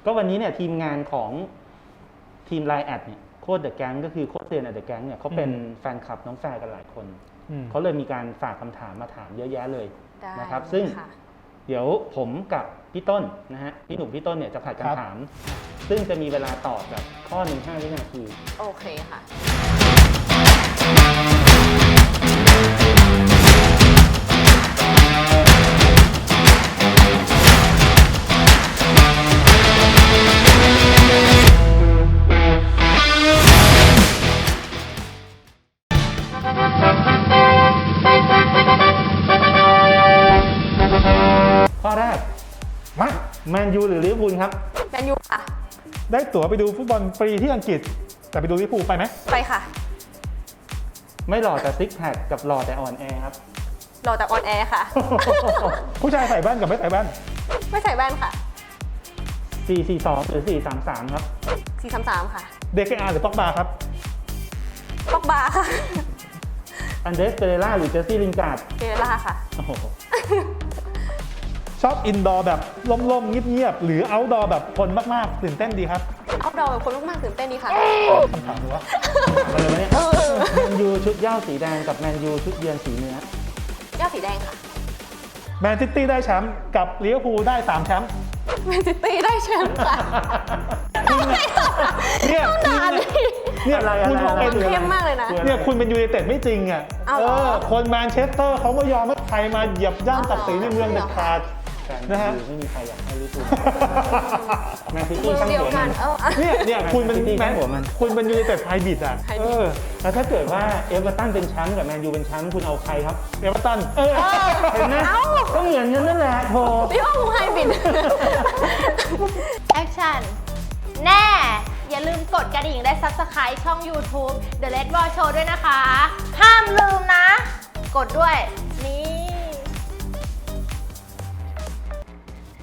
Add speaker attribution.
Speaker 1: ก็วันนี้เนี่ยทีมงานของทีมไลน์แอดเนี่ยโค้ชเดอะแก๊งก็คือโค้ชเซียนเดอะแก๊งเนี่ยเขาเป็นแฟนคลับน้องแฟร์กันหลายคนเขาเลยมีการฝากคำถามมาถามเยอะแยะเลยนะครับซึ่งเดี๋ยวผมกับพี่ต้นนะฮะพี่หนุ่มพี่ต้นเนี่ยจะผัดกันถามซึ่งจะมีเวลาตอบแบบข้อหนึ่ง5 วินาที
Speaker 2: โอเคค่ะ
Speaker 1: ข้อแรก
Speaker 3: มา
Speaker 1: แมนยูหรือลิเวอร์พูลครับ
Speaker 2: แมนยูค่ะ
Speaker 3: ได้ตั๋วไปดูฟุตบอลฟรีที่อังกฤษแต่ไปดูลิเวอร์พูลไปไหม
Speaker 2: ไปค่ะ
Speaker 1: ไม่หล่อแต่ซิกแพคกับหล่อแต่อ่อนแอครับ
Speaker 2: หล่อแต่ออนแอร์ค่ะ
Speaker 3: ผู้ชายใส่แว่นกับไม่ใส่แว่น
Speaker 2: ไม่ใส่แว่นค่ะ
Speaker 1: 4-4-2 หรือ 4-3-3 ครับ
Speaker 2: 4-3-3 ค่ะ
Speaker 3: เดคอาร์หรือป็อกบาครับ
Speaker 2: ป็อกบาค่ะ
Speaker 1: อันเดรสเปเรล่าหรือเจสซี่ลินการ์ด
Speaker 2: เปเรล่าค่ะ
Speaker 1: โอ้โห
Speaker 3: ชอบอินดอร์แบบล่มๆเงียบๆหรือเอาท์ดอร์แบบคนมากๆตื่นเต้นดีครับ
Speaker 2: เอาท์ดอร์แบบคนมากๆตื่นเต้นดีค่ะ
Speaker 3: คำถามดูว่า
Speaker 1: อะไรวะเนี่ยแมนยูชุดเหย้าสีแดงกับแมนยูชุดเยือนสีเนื้อ
Speaker 2: เหย้าสีแดงค่ะ
Speaker 3: แมนซิตี้ได้แชมป์กับลิเวอร์พูลได้3แชมป์
Speaker 2: แมนซิตี้ได้แชมป์ค่ะ
Speaker 3: เนี่ยคุณเป็น
Speaker 2: เข้มมากเลยนะ
Speaker 3: เนี่ยคุณเป็นยูไนเต็ดไม่จริงอ่ะคนแมนเชสเตอร์เขาไม่ยอมให้ใครมาเหยียบย่ำศักดิ์ศรีในเมืองเด็ดขาดนะฮะ
Speaker 1: ไม่มีใครอยากให้ลิเวอร์พูลแมนซิตี้ตั้ง
Speaker 2: หัวมัน
Speaker 3: เนี่ยคุณเป็นแมนคุณเป็นยูไนเต็ดไฮบริดอ่ะ
Speaker 1: แล้วถ้าเกิดว่าเอเวอร์ตันเป็นแชมป์กับแมนยูเป็นแชมป์คุณเอาใครครับ
Speaker 3: เอเวอร์ตัน
Speaker 1: เห็นไหมก็เหมือนกันนั่นแหละโธ่
Speaker 2: พี่ว่ามึงไฮบริด
Speaker 4: แอคชั่นแน่อย่าลืมกดกระดิ่งและ Subscribe ช่อง YouTube The Red Ball Show ด้วยนะคะห้ามลืมนะกดด้วยนี่